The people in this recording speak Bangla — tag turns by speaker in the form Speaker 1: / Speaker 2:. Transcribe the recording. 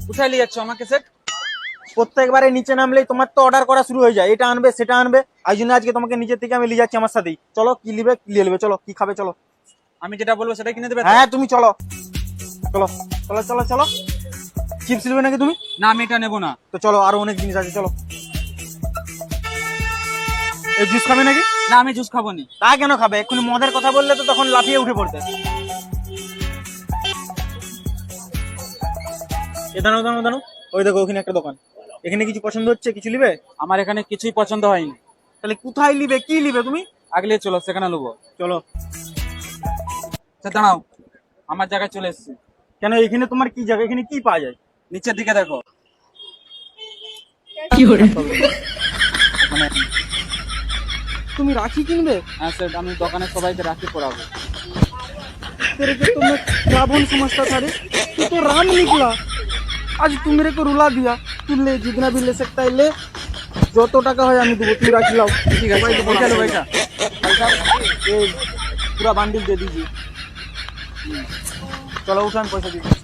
Speaker 1: কোথায় নিয়ে যাচ্ছ আমাকে সেট?
Speaker 2: প্রত্যেকবারে নিচে নামলেই তোমার তো অর্ডার করা শুরু হয়ে যায়, এটা আনবে সেটা আনবে। এই জন্য আজকে তোমাকে নিচের থেকে আমি নিয়ে যাচ্ছি আমার সাথেই। চলো কি নিবে কি নিয়ে নেবে, চলো কি খাবে চলো।
Speaker 1: আমি যেটা বলবো সেটা কিনে দেবে তো?
Speaker 2: হ্যাঁ তুমি চলো চলো চলো চলো চলো। চিপস নেবে নাকি তুমি?
Speaker 1: না আমি এটা নেবো না।
Speaker 2: তো চলো, আরো অনেক জিনিস আছে চলো। এই জুস খাবে নাকি?
Speaker 1: না আমি জুস খাবো নি।
Speaker 2: তা কেন খাবে? এক্ষুনি মদের কথা বললে তো তখন লাফিয়ে উঠে পড়তে। এ দাঁড়াও দাঁড়াও দাঁড়াও, ওই দেখো ওখানে একটা দোকান। এখানে কিছু পছন্দ হচ্ছে, কিছু নিবে?
Speaker 1: আমার এখানে কিছুই পছন্দ হয়নি।
Speaker 2: তাহলে কোথায় নিবে, কি নিবে তুমি?
Speaker 1: আগলে চলো সেখানে নেবো।
Speaker 2: চলো।
Speaker 1: আচ্ছা দাঁড়াও, আমার জায়গায় চলে এসেছি।
Speaker 2: কেন এখানে তোমার কি জায়গা, এখানে কি পাওয়া যায়?
Speaker 1: নিচের দিকে দেখো। মানে
Speaker 2: তুমি রাখি কিনবে?
Speaker 1: হ্যাঁ স্যার, আমি দোকানে সবাইকে রাখি পরাবো।
Speaker 2: तेरे को तो मैं क्या बोल समझता था रे, तू तो राम निकला। आज तू मेरे को रुला दिया। तू ले, जितना भी ले सकता है ले, যত টাকা হয় আমি দেবো, তুমি রাখি লাও।
Speaker 1: ঠিক আছে পয়সা লো পয়সা।
Speaker 2: ये पूरा बांडिल दे दीजिए। चलो उठान, पैसा दीजिए।